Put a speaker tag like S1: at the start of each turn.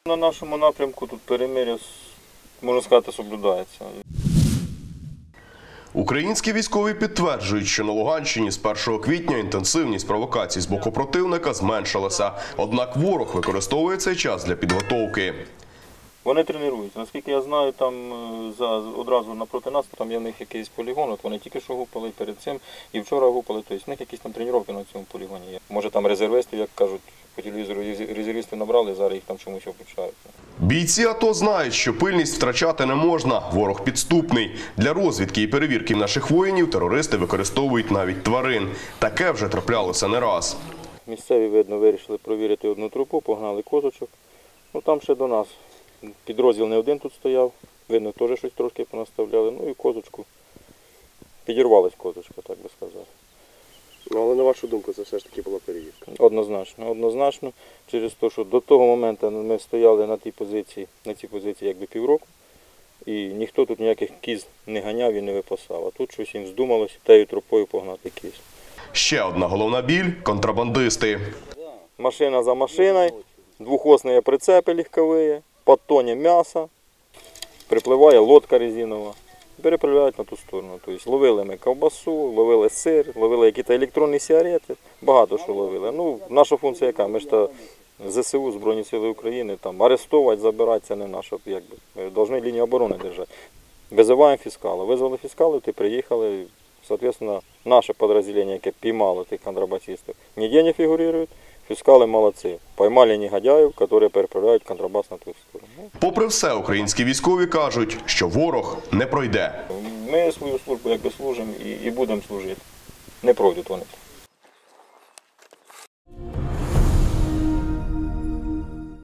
S1: На нашому напрямку тут перемир'я, можна сказати, соблюдається.
S2: Українські військові підтверджують, що на Луганщині з 1 квітня інтенсивність провокацій з боку противника зменшилася. Однак ворог використовує цей час для підготовки.
S1: Вони тренуються. Наскільки я знаю, там одразу напроти нас, там є в них якийсь полігон, от вони тільки що гупали перед цим і вчора гупали, тобто в них якісь там тренування на цьому полігоні є. Може там резервістів, як кажуть, по телевізору резервістів набрали, зараз їх там чомусь обучають.
S2: Бійці АТО знають, що пильність втрачати не можна, ворог підступний. Для розвідки і перевірки наших воїнів терористи використовують навіть тварин. Таке вже траплялося не раз.
S1: Місцеві, видно, вирішили провірити одну трупу, погнали козочок. Ну там ще до нас. Підрозділ не один тут стояв, видно, теж щось трошки понаставляли, ну і козочку. Підірвалась козочка, так би сказати.
S3: Ну, але на вашу думку, це все ж таки була перевірка?
S1: Однозначно, через те, що до того моменту ми стояли на цій позиції якби півроку, і ніхто тут ніяких кіз не ганяв і не випасав, а тут щось їм здумалося тією тропою погнати кіз.
S2: Ще одна головна біль – контрабандисти.
S1: Машина за машиною, двохосні прицепи легкові, по тонні м'яса, припливає лодка резинова, переправляють на ту сторону. Тобто ловили ми ковбасу, ловили сир, ловили якісь електронні сигарети, багато що ловили. Ну, наша функція яка? Ми ж то ЗСУ, Збройні Сили України, там арестувати, забирати, це не наша, якби. Ми повинні лінію оборони держати. Визиваємо фіскала. Визвали фіскалів, ти приїхали, соответственно, наше підрозділення, яке піймало тих контрабасистів, ніде не фігурують. Фіскали молодці. Поймали негодяїв, які переправляють контрабас на ту сторону.
S2: Попри все, українські військові кажуть, що ворог не пройде.
S1: Ми свою службу якби служимо і будемо служити. Не пройдуть вони.